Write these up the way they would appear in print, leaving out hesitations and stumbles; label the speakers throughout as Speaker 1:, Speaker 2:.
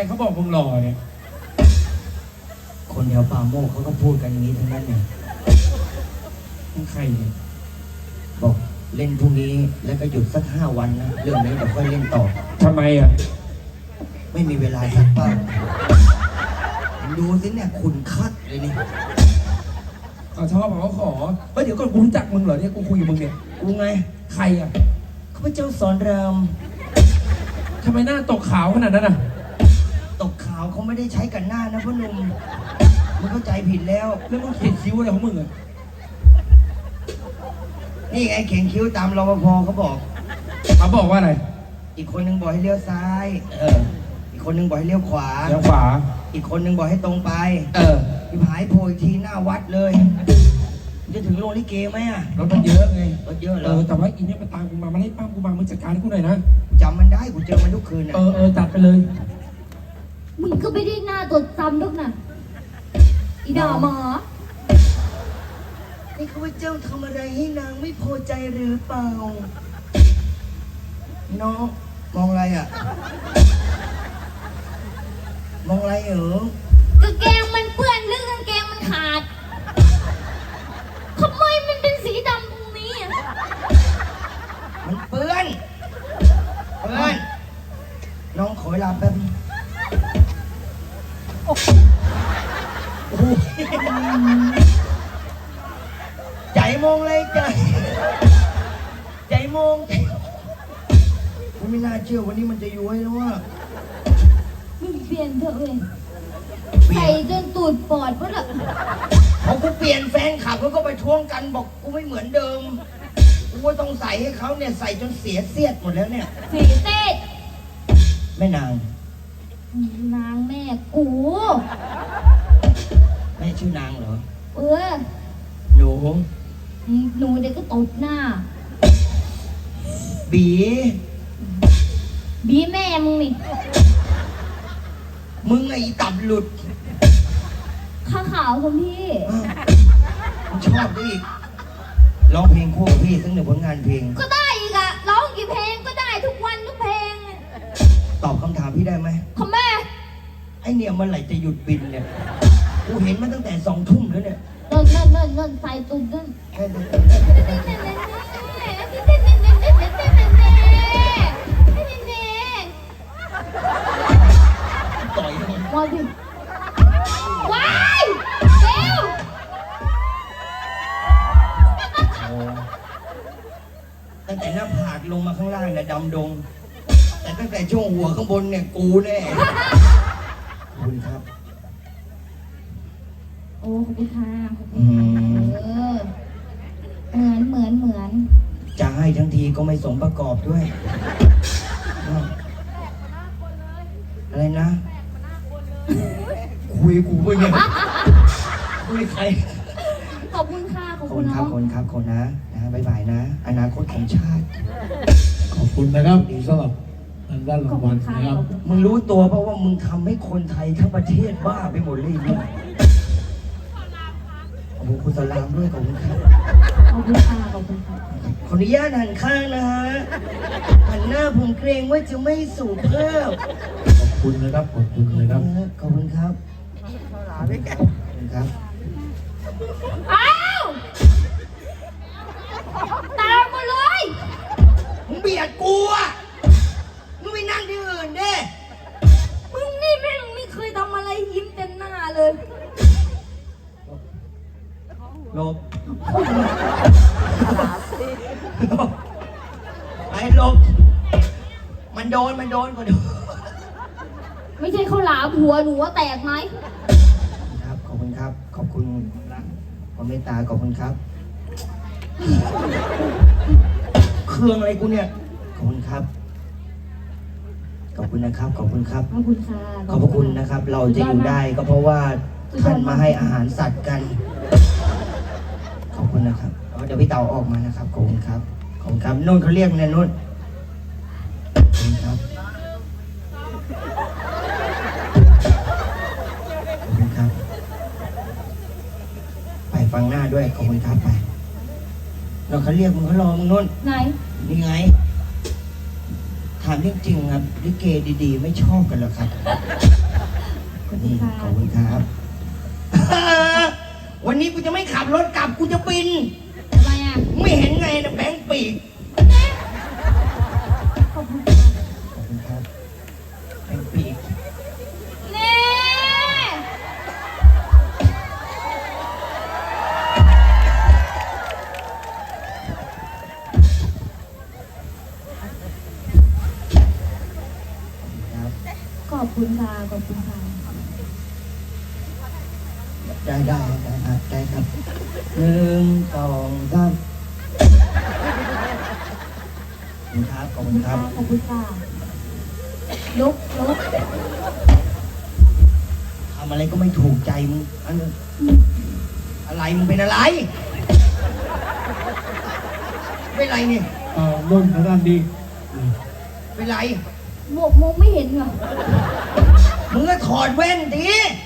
Speaker 1: เขาบอกมึงหล่อเนี่ย
Speaker 2: คนแถวป่าโมกเขาก็พูดกันอย่างนี้ทั้งนั้นเนี่ย
Speaker 1: มึงใครเนี่ย
Speaker 2: บอกเล่นพรุ่งนี้แล้วก็หยุดสัก5 วันนะเรื่องนี้เดี๋ยวค่อยเล่นต่อ
Speaker 1: ทำไมอ่ะ
Speaker 2: ไม่มีเวลาสักเป้าดูสิเนี่ยขุนคัดเลยนี่
Speaker 1: เขาชอบเขาขอเฮ้ยเดี๋ยวก่อนกูรู้จักมึงเหรอเนี่ยกูคุยกับมึงเนี่ย
Speaker 2: กูไง
Speaker 1: ใครอ่ะ
Speaker 2: ข้าพเจ้าสอนราม
Speaker 1: ทำไมหน้าตกขาวขนาดนั้นอ่ะ
Speaker 2: ตกขาวเขาไม่ได้ใช้กันหน้านะพ่อหนุ่มมึงเข้าใจผิดแล้ว
Speaker 1: แล้วมึงเขียนคิ้วอะไรของมึงอ่ะ
Speaker 2: นี่ไงเขียนคิ้วตามรปภเขาบอก
Speaker 1: ว่าอะไร
Speaker 2: อีกคนนึงบอกให้เลี้ยวซ้ายอีกคนนึงบอกให้เลี้ยวขวาอีกคนนึงบอกให้ตรงไปพี่ผายโผล่อีกทีหน้าวัดเลยจะถึงโรงลิเกไหมอ่ะ
Speaker 1: รถมันเยอะไง
Speaker 2: รถเยอะเหรอ
Speaker 1: แต่ว่าอีเนี่ยมันตามกูมามันไล่ปั้มกูมามึงจัดการให้กูหน่อยนะ
Speaker 2: จำมันได้กูเจอมันทุกคืนอ่ะ
Speaker 1: จัดไปเลย
Speaker 3: มึงก็ไม่ได้หน้าตดจำทุกน่ะอีด่าหมอ
Speaker 2: นี่ข้าพเจ้าทำอะไรให้นางไม่พอใจหรือเปล่าน้องมองอะไรอ่ะมองอะไร
Speaker 3: กางเกงมันเปื้อนหรือกางเกงมันขาดทำไมมันเป็นสีดำตรงนี้อ่ะ
Speaker 2: มันเปื้อนน้องขอเวลาแป๊บโอ้โหใจมองเลยใจมองไม่น่าเชื่อวันนี้มันจะย้วยแล้วว่า
Speaker 3: มึงเปลี่ยนเถอะเว้ยใส่จนตูดปอดวะล่ะ
Speaker 2: พอกูเปลี่ยนแฟนขับเขาก็ไปท้วงกันบอกกูไม่เหมือนเดิมกูว่าต้องใส่ให้เขาเนี่ยใส่จนเสียเสียดหมดแล้วเนี่ย
Speaker 3: เสียเสียด
Speaker 2: แม่นาง
Speaker 3: แม่กู
Speaker 2: แม่ชื่อนางเหรอห
Speaker 3: นูเด็กก็ตบหน้า
Speaker 2: บี
Speaker 3: แม่มึงนี่
Speaker 2: มึงไอ้ตับหลุด
Speaker 3: ข้าขาวคุณพี่
Speaker 2: ชอบดิร้องเพลงคู่กับพี่สัก1 ผลงานเพลง
Speaker 3: ก็ได้อีกอะร้องกี่เพลงก็ได้ทุกวันทุกเพลง
Speaker 2: ตอบคำถามพี่ได้ไหม
Speaker 3: ทำไม
Speaker 2: ไอเนี่ยเมื่อไหร่จะหยุดบินเนี่ยกูเห็นมันตั้งแต่2 ทุ่มแล้วเนี่ย
Speaker 3: นั่นใส่ตุ้มนั่น
Speaker 2: ต่อยมัน
Speaker 3: มาดิว้ายเร็ว
Speaker 2: ตั้งแต่หน้าผากลงมาข้างล่างเนี่ยดำดงแต่ตั้งแต่ช่วงหัวข้างบนเนี่ยกูแน่ขอบคุณครับ
Speaker 3: โอ้ขอบคุณค่ะเหมือน
Speaker 2: จะให้ทั้งทีก็ไม่สมประกอบด้วยอะไรนะคุยกูไปเนี่ยคุยใคร
Speaker 3: ขอบคุณค่ะขอบคุณ
Speaker 2: ครับคนนะบ๊ายบายนะอนาคตของชาติ
Speaker 1: ขอบคุณนะครับสำหรับด้านรางวัลนะครับ
Speaker 2: มึงรู้ตัวเพราะว่ามึงทำให้คนไทยทั้งประเทศบ้าไปหมดเลยเนี่ยขอบคุณสลามด้วยขอบคุณครับ
Speaker 3: ขอบคุณค่ะข
Speaker 2: ออนุญาตหันข้างนะฮะหันหน้าผมเกรงว่าจะไม่สูบเพิ่ม
Speaker 1: ขอบคุณนะครับขอบคุณเลยครับ
Speaker 2: ขอบคุณครับขอบคุณครับ
Speaker 3: อ้าวตามมาเลย
Speaker 2: มึงเบียดกูอ่ะมึงไปนั่งที่อื่นดิ
Speaker 3: มึงนี่แม่งไม่เคยทำอะไรยิ้มเต็มหน้าเลย
Speaker 2: ลบไอ้ลบมันโดนก็โดน
Speaker 3: ไม่ใช่เขาหลาหัวหนูว่าแตกไหม
Speaker 2: ครับขอบคุณครับขอบคุณความเมตตาขอบคุณครับเครื่องอะไรกูเนี่ยขอบคุณครับขอบคุณนะครับขอบคุณครับ
Speaker 3: ขอบคุณค่ะ
Speaker 2: ขอบคุณนะครับเราจะอยู่ได้ก็เพราะว่าท่านมาให้อาหารสัตว์กันขอบคุณนะครับเดี๋ยวพี่เต่าออกมานะครับขอบคุณครับขอบคุณครับนุ่นเขาเรียกเนี่ยนุ่นขอบคุณครับขอบคุณครับไปฟังหน้าด้วยขอบคุณครับไปเราเขาเรียกมึงเขารอมึงนุ่น
Speaker 3: ไหน
Speaker 2: นี่ไงถามจริงๆครับลิเกดีๆไม่ชอบกันหรอครับ
Speaker 3: ขอบคุณ
Speaker 2: นี่
Speaker 3: ค่ะ
Speaker 2: ขอบคุณครับ วันนี้กูจะไม่ขับรถกลับกูจะบิน
Speaker 3: ทำไมอ่ะ
Speaker 2: ไม่เห็นไงนะแบงค์ปีก
Speaker 3: ขอบคุณค่ะ
Speaker 2: ขอบคุณครับแบงค์ปีก
Speaker 3: เน่
Speaker 2: ครับ
Speaker 3: ขอบคุณค่ะขอบคุณค่ะ
Speaker 2: ได้ครับได้ครับหนึ่งสองสามขอบคุณครับ
Speaker 3: ขอบคุณค่ะลุก
Speaker 2: ทำอะไรก็ไม่ถูกใจมึงอันนั้นอะไรมึงเป็นอะไร เป็นไรเนี่ย
Speaker 1: นุ่นทางด้านดี
Speaker 2: เป็นไร
Speaker 3: หมวกมงไม่เห็นเหรอ
Speaker 2: มึงก็ถอดแว่นดิ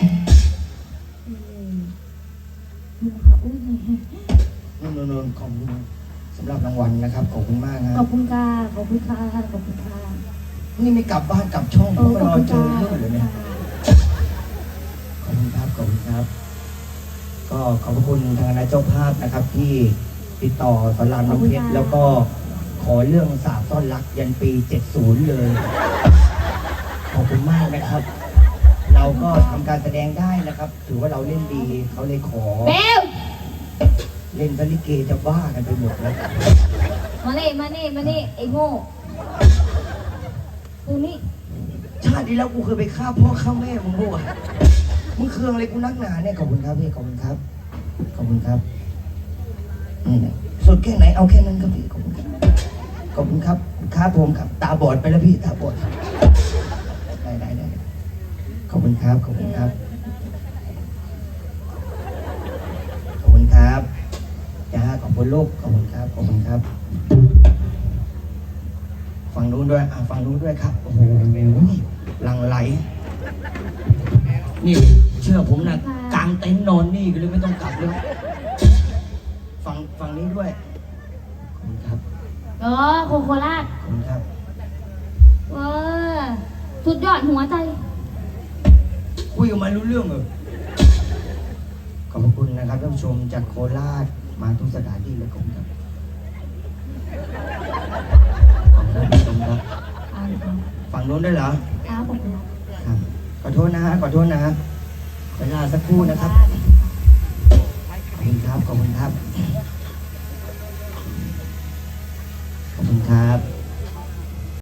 Speaker 3: ดูค่ะอุ้ย
Speaker 2: นนขอบคุณสำหรับรางวัลนะครับขอบคุณมากค
Speaker 3: ข
Speaker 2: รั
Speaker 3: อ
Speaker 2: บบ
Speaker 3: คุณค่ะขอบคุณค่ะขอบคุณค่ะ
Speaker 2: นี่ไม่กลับบ้านกลับช่อง
Speaker 3: เอ
Speaker 2: ก็
Speaker 3: อ
Speaker 2: มาร
Speaker 3: ขอ
Speaker 2: อบ
Speaker 3: คุณ
Speaker 2: เจอเรื่องเลย
Speaker 3: ค่ะ
Speaker 2: เนี่ยขอบคุณครับขอบคุณครับ ก็ขอบพระคุณทางคณะเจ้าภาพนะครับ ที่ติดต่อสอนรามน้ำเพชรแล้วก็ขอเรื่องสาบซ่อนรักยันปี 70 เลย ขอบคุณมากนะครับ เราก็ทำการแสดงได้นะครับ ถือว่าเราเล่นดีเขาเลยขอ
Speaker 3: เบล
Speaker 2: เล่นซะลิเกจะบ้ากันไปหมดแล้ว
Speaker 3: มานี่ไอ้โง่กูนี่
Speaker 2: ชาติที่แล้วกูเคยไปฆ่าพ่อฆ่าแม่มึงด้วยมึงเคืองอะไรกูนักหนาเนี่ยขอบคุณครับพี่ขอบคุณครับขอบคุณครับนี่นะสุดแค่ไหนเอาแค่นั้นครับพี่ขอบคุณครับขอบคุณครับครับผมครับตาบอดไปแล้วพี่ตาบอดได้ขอบคุณครับขอบคุณครับขอบคุณครับจ้าขอบคุณลูกขอบคุณครับขอบคุณครับฝั่งนู้นด้วยฝั่งนู้นด้วยครับโอ้โหหลังไหลนี่เชื่อผมนะกางเต็นท์นอนนี่ก็เลยไม่ต้องกลับเลยฝั่งนี้ด้วยขอบคุณครับ
Speaker 3: โคราช
Speaker 2: ขอบคุณครับ
Speaker 3: สุดยอดหัวใจ
Speaker 2: คุยกับมันรู้เรื่องเหรอขอบพระคุณนะครับท่านผู้ชมจากโคราชมาทุกสถานที่เลยขอบคุณครับขอบคุณผู้ชมครับฝั่งนู้นได้วยเหรอ
Speaker 3: ครับผมครับ
Speaker 2: ครับขอโทษนะฮะขอโทษนะฮะเวลาสักครู่นะครับขอบคุณครับขอบคุณครับ